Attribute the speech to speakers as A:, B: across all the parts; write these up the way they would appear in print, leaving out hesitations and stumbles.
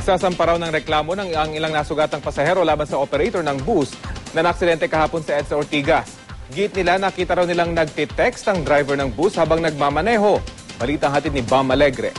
A: Nagsasampa raw ng reklamo ng ang ilang nasugatang pasahero laban sa operator ng bus na naaksidente kahapon sa EDSA Ortigas. Git nila, nakita raw nilang nagtitext ang driver ng bus habang nagmamaneho. Balitang hatid ni Bam Alegre.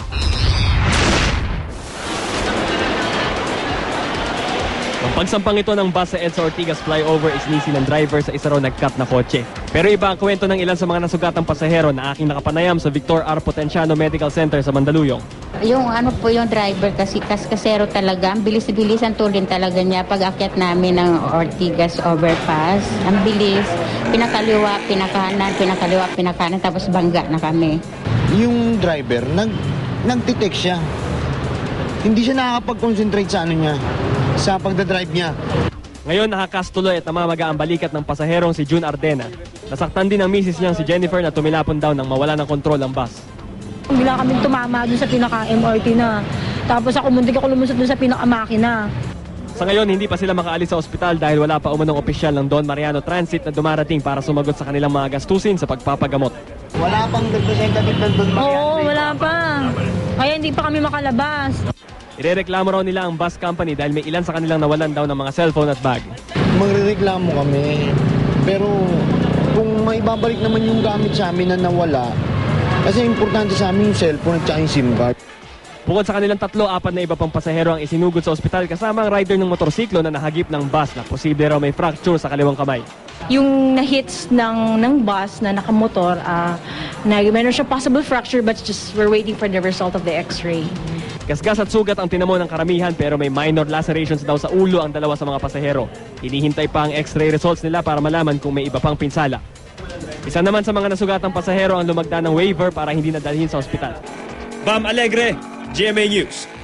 B: Ang pagsampang ito ng bus sa EDSA Ortigas flyover is nisi ng driver sa isa raw nag-cut na kotse. Pero iba ang kwento ng ilan sa mga nasugatang pasahero na aking nakapanayam sa Victor R. Potenciano Medical Center sa Mandaluyong.
C: Yung yung driver kasi kasero talaga, ang bilis-bilisan tulin talaga niya pag akyat namin ng Ortigas overpass. Ang bilis, pinakaliwa, pinakanan, pinakaliwa, pinakanan, tapos bangga na kami.
D: Yung driver, nagtitext siya. Hindi siya nakakapag-concentrate sa sa pagdadrive niya.
B: Ngayon nakakastuloy at namamaga ang balikat ng pasaherong si June Ardena. Nasaktan din ang misis niyang si Jennifer na tumilapon daw nang mawala ng kontrol ang bus.
E: Bila kami tumama doon sa pinaka-MRT na. Tapos muntik ako lumusot doon sa pinaka-makina.
B: Sa ngayon, hindi pa sila makaalis sa ospital dahil wala pa umanong opisyal ng Don Mariano Transit na dumarating para sumagot sa kanilang mga gastusin sa pagpapagamot.
D: Wala pang representative ng Don Mariano.
E: Oo, wala pa. Kaya hindi pa kami makalabas.
B: Irereklamo raw nila ang bus company dahil may ilan sa kanilang nawalan daw ng mga cellphone at bag.
D: Magrereklamo kami. Pero kung maibabalik naman yung gamit sa amin na nawala, kasi importante sa amin yung cellphone at yung SIM card.
B: Bukod sa kanilang 3, 4 na iba pang pasahero ang isinugod sa ospital kasama ang rider ng motorsiklo na nahagip ng bus na posible raw may fracture sa kaliwang kamay.
E: Yung na-hits ng bus na nakamotor, meron siya possible fracture but just we're waiting for the result of the x-ray.
B: Gasgas at sugat ang tinamo ng karamihan pero may minor lacerations daw sa ulo ang 2 sa mga pasahero. Hinihintay pa ang x-ray results nila para malaman kung may iba pang pinsala. Isa naman sa mga nasugatang pasahero ang lumagda ng waiver para hindi nadalhin sa ospital.
F: Bam Alegre, GMA News.